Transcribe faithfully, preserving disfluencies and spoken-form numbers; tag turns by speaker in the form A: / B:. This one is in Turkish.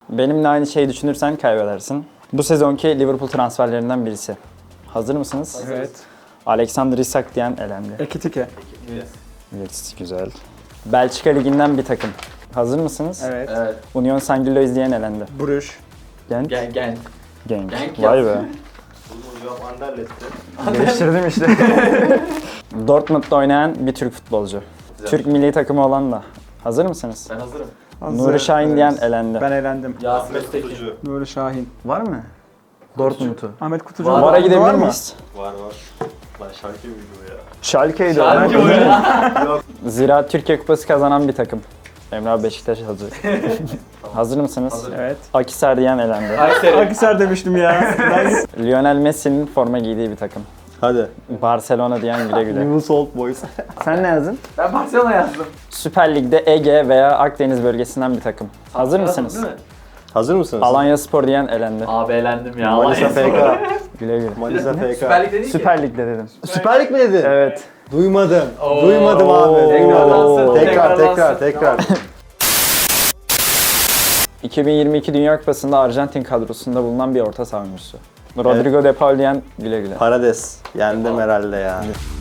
A: Benimle aynı şeyi düşünürsen kaybedersin. Bu sezonki Liverpool transferlerinden birisi. Hazır mısınız?
B: Evet.
A: Alexander Isak diyen elendi.
B: Ekitike.
A: Evet, güzel. Belçika Ligi'nden bir takım. Hazır mısınız?
B: Evet.
C: Evet.
A: Union Saint-Gilloise diyen elendi.
B: Bruges.
A: Gent.
C: Gen gen.
A: Genk.
C: Genk
A: Vay be.
C: yap.
A: Değiştirdim işte. Dortmund'da oynayan bir Türk futbolcu.
C: Güzel.
A: Türk milli takımı olan da. Hazır mısınız?
C: Ben hazırım.
A: Nuri Şahin diyen elendi.
B: Ben eğlendim.
C: Yasin Öztekin.
B: Nuri Şahin.
A: Var mı? Dortmund'u.
B: Ahmet Kutucu.
C: Var.
A: Vara
B: Var
A: gidebilir
B: mı?
A: miyiz?
D: Var var. Lan şarkı mıydı bu ya?
A: Schalke'ydi.
C: Şarkı
A: o.
C: oyunu.
A: Zira Türkiye Kupası kazanan bir takım. Emre abi Beşiktaş hazır. Hazır mısınız?
C: Hazır.
B: Evet.
A: Akisar diyen elendi.
C: Kayseri.
B: Akhisar demiştim ya.
A: Lionel Messi'nin forma giydiği bir takım.
D: Hadi.
A: Barcelona diyen güle güle.
D: Newell's Old Boys.
A: Sen ne yazdın?
C: Ben Barcelona yazdım.
A: Süper Lig'de Ege veya Akdeniz bölgesinden bir takım. Hazır mısınız?
C: Değil mi?
D: Hazır mısınız?
A: Alanya Spor diyen elendi.
C: Abi eğlendim ya.
D: Manisa
C: Alanya
D: F K.
A: Güle güle.
D: Manisa F K.
C: Süper Lig dedin ki.
A: Süper Lig'de dedim.
D: Süper Lig mi dedin?
A: Evet.
D: Duymadım.
C: Oo.
D: Duymadım abi.
C: Tekrarlansın,
D: Tekrar tekrar
C: tekrarlansın.
D: tekrar.
A: iki bin yirmi iki Dünya Kupası'nda Arjantin kadrosunda bulunan bir orta saha oyuncusu. Rodrigo De Paul diyen güle güle.
D: Parades. Yendim herhalde ya.